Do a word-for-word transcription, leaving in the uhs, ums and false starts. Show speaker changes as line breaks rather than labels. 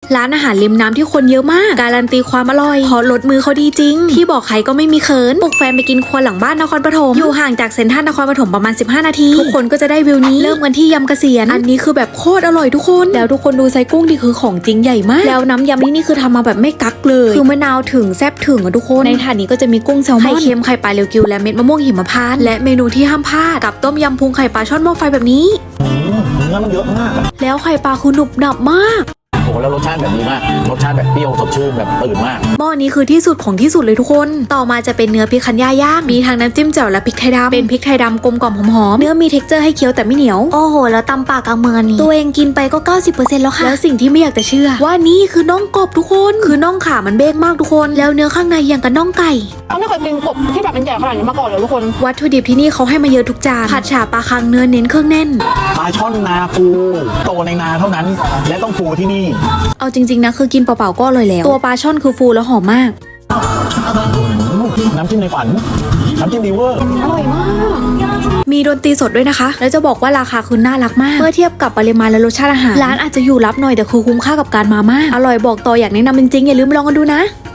ร้านอาหารริมน้ำที่คนเยอะมากการันตีความอร่อยเพราะรสมือเขาดีจริงที่บอกใครก็ไม่มีเขินปลุกแฟนไปกินครัวหลังบ้านนครปฐมอยู่ห่างจากเซ็นทรัลนครปฐมประมาณสิบห้านาทีทุกคนก็จะได้วิวนี้เริ่มกันที่ยำเกษียณอันนี้คือแบบโคตรอร่อยทุกคนแล้วทุกคนดูไซกุ้งที่คือของจริงใหญ่มากแล้วน้ำยำนี่นี่คือทำมาแบบไม่กักเลยคือมะนาวถึงแซ่บถึงอะทุกคนในถาดนี้ก็จะมีกุ้งแซลมอนไข่เค็มไข่ปลาเรียวกิวและเม็ดมะม่วงหิมพานต์และเมนูที่ห้ามพลาดกับต้มยำพุงไข่ปลาช่อนหม้อไฟแบบนี้
เนื้อมันเยอะมาก
แล้วไข่ปลาคือหนุบหนับมาก
โอ้แล้วรสชาติแบบนี้มากรสชาติแบบเปรี้ยวสดชื่นแบบตื่นมาก
หม้อนี้คือที่สุดของที่สุดเลยทุกคนต่อมาจะเป็นเนื้อพริกคันย่าย่างมีทั้งน้ำจิ้มแจ่วและพริกไทยดำเป็นพริกไทยดำกลมกล่อมหอมๆเนื้อมีเท็กเจอร์ให้เคี้ยวแต่ไม่เหนียวโอ้โหแล้วตำปากกลางเมืองนี้ตัวเองกินไปก็ เก้าสิบเปอร์เซ็นต์ แล้วค่ะแล้วสิ่งที่ไม่อยากจะเชื่อว่านี่คือน่องกบทุกคนคือน่องขามันเบ้งมากทุกคนแล้วเนื้อข้างในอย่างกับน่องไก่
เขาไม่เคยกินกบที่แบบเป็นใหญ่ขนาดนี้มาก่อนเลยทุกคน
วัตถุดิบที่นี่เขาให้มาเยอะทุกจานผัดฉ่าปลาคังเนื้อเน้นเครื่องแน่น
ปลาช่อนนาปูโตในนาเท่านั้นและต้องปูที่นี่
เอาจริงๆนะคือกินเปล่าๆก็อร่อยแล้วตัวปลาช่อนคือฟูแล้วหอมมาก
น้ำจิ้มในฝันน้ำจิ้มดีเวอร์
อร่อยมาก
มีดนตรีสดด้วยนะคะแล้วจะบอกว่าราคาคือน่ารักมากเมื่อเทียบกับปริมาณและรสชาติอาหารร้านอาจจะอยู่ลับหน่อยแต่คือคุ้มค่ากับการมามากอร่อยบอกต่ออยากแนะนำจริงๆอย่าลืมลองกันดูนะ